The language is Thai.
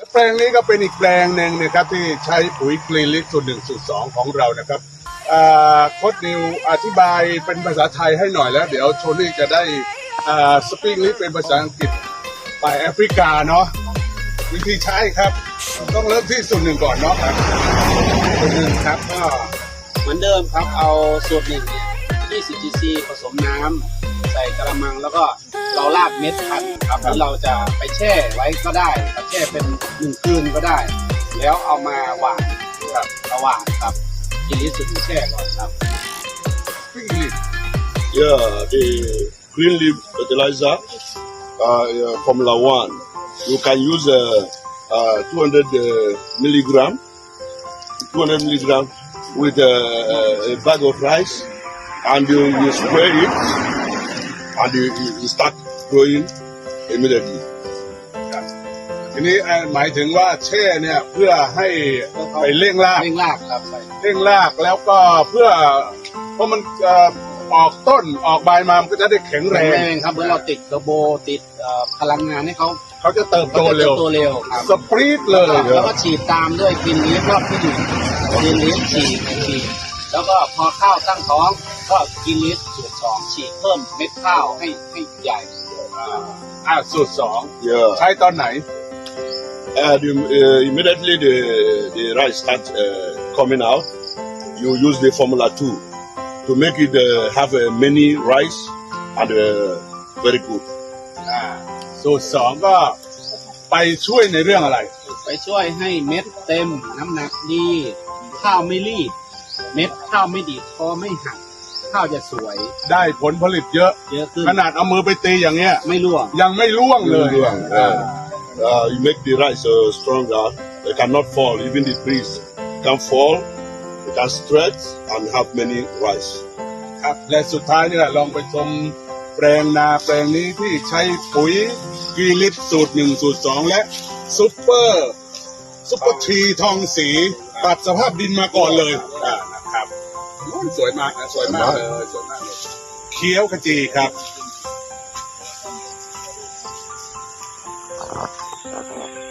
แปลงนี้ก็เป็นอีกแปลงหนึ่งนะครับที่ใช้ปุ๋ยกรีนลิฟสูตร 1 สูตร 2ของเรานะครับโค้ชนิวอธิบายเป็นภาษาไทยให้หน่อยแล้วเดี๋ยวโทนี่จะได้สปีกลิฟเป็นภาษาอังกฤษไปแอฟริกาเนาะวิธีใช้ครับต้องเริ่มที่สูตร 1ก่อนเนาะครับสูตร 1ครับก็เหมือนเดิมครับเอาสูตร 1เนี่ย20 cc ผสมน้ำใส่กระมังแล้วก็เราราดเม็ดพันธุ์ครับที่เราจะไปแช่ไว้ก็ได้ครับแช่เป็น1 คืนก็ได้แล้วเอามาหว่านครับเอาหว่านครับกินลิสุดแช่ก่อนครับ Yeah, the green leaf fertilizer, Formula 1. You can use 200 milligram with a bag of rice, and you spray it, and you start growing immediately. ทีนี้หมายถึงว่าแช่เนี่ยเพื่อให้ไปเร่งรากครับใช่เร่งรากแล้วก็เพื่อเพราะมันออกต้นออกใบมามันก็จะได้แข็งแรงครับเหมือนเราติดเทอร์โบติดพลังงานให้เขาจะเติบโตเร็วครับสปรีดเลยแล้วก็ฉีดตามด้วยกินลิฟรอบที่1กินลิฟฉีดแล้วก็พอข้าวตั้งท้องก็กินลิฟสูตร 2ฉีดเพิ่มเม็ดข้าวให้ใหญ่สูตร 2ใช้ตอนไหน immediately the rice starts coming out, you use the Formula 2 to make it have many rice and very good. สูตร 2ก็ไปช่วยในเรื่องอะไรไปช่วยให้เม็ดเต็มน้ำหนักดีข้าวไม่รีบเม็ดข้าวไม่ดีดคอไม่หักข้าวจะสวยได้ผลผลิตเยอะขึ้นขนาดเอามือไปตีอย่างเงี้ยไม่ร่วงยังไม่ร่วงเลย You make the rice stronger. It cannot fall. Even the trees can fall. It can stretch and have many rice. ครับและสุดท้ายนี่แหละลองไปชมแปลงนาแปลงนี้ที่ใช้ปุ๋ยกรีนลิฟสูตร 1 สูตร 2และซุปเปอร์ทีทองสีปรับสภาพดินมาก่อนเลยนะครับสวยมากนะสวยมากเลยเขียวขจีครับ